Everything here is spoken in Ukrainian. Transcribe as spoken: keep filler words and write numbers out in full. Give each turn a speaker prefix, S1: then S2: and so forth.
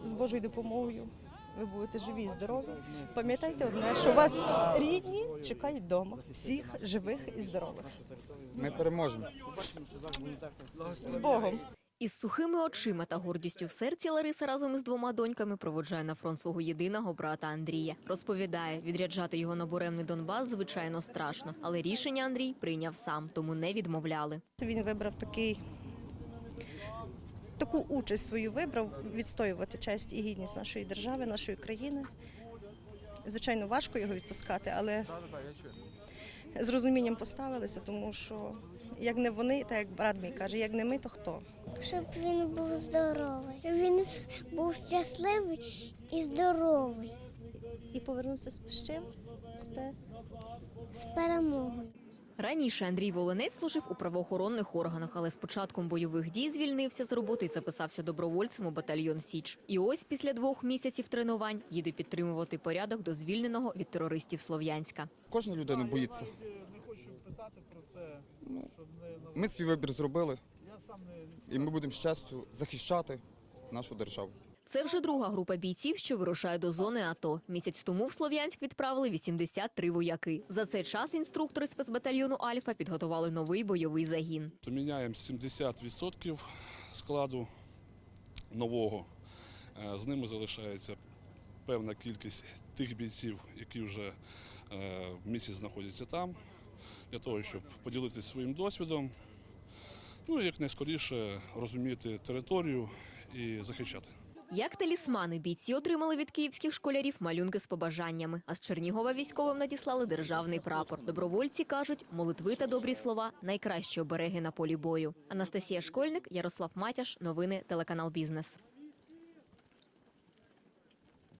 S1: з Божою допомогою ви будете живі і здорові. Пам'ятайте одне, що вас рідні чекають вдома, всіх живих і здорових.
S2: Ми переможемо.
S1: З Богом!
S3: Із сухими очима та гордістю в серці Лариса разом із двома доньками проводжає на фронт свого єдиного брата Андрія. Розповідає, відряджати його на буремний Донбас, звичайно, страшно. Але рішення Андрій прийняв сам, тому не відмовляли.
S1: Він вибрав такий, таку участь свою вибрав, відстоювати честь і гідність нашої держави, нашої країни. Звичайно, важко його відпускати, але з розумінням поставилися, тому що як не вони, так як брат мій каже, як не ми, то хто?
S4: Щоб він був здоровий, щоб він був щасливий і здоровий.
S1: І повернувся з чим? З пе-
S4: З перемогою.
S3: Раніше Андрій Волинець служив у правоохоронних органах, але з початком бойових дій звільнився з роботи і записався добровольцем у батальйон «Січ». І ось після двох місяців тренувань їде підтримувати порядок до звільненого від терористів Слов'янська.
S2: Кожна людина боїться. Ну, ми свій вибір зробили, і ми будемо з честю захищати нашу державу.
S3: Це вже друга група бійців, що вирушає до зони АТО. Місяць тому в Слов'янськ відправили вісімдесят три вояки. За цей час інструктори спецбатальйону «Альфа» підготували новий бойовий загін.
S5: То міняємо сімдесят відсотків складу нового. З ними залишається певна кількість тих бійців, які вже місяць знаходяться там, для того, щоб поділитися своїм досвідом, ну і якнайскоріше розуміти територію і захищати.
S3: Як талісмани, бійці отримали від київських школярів малюнки з побажаннями. А з Чернігова військовим надіслали державний прапор. Добровольці кажуть, молитви та добрі слова – найкращі обереги на полі бою. Анастасія Школьник, Ярослав Матяш. Новини телеканал «Бізнес».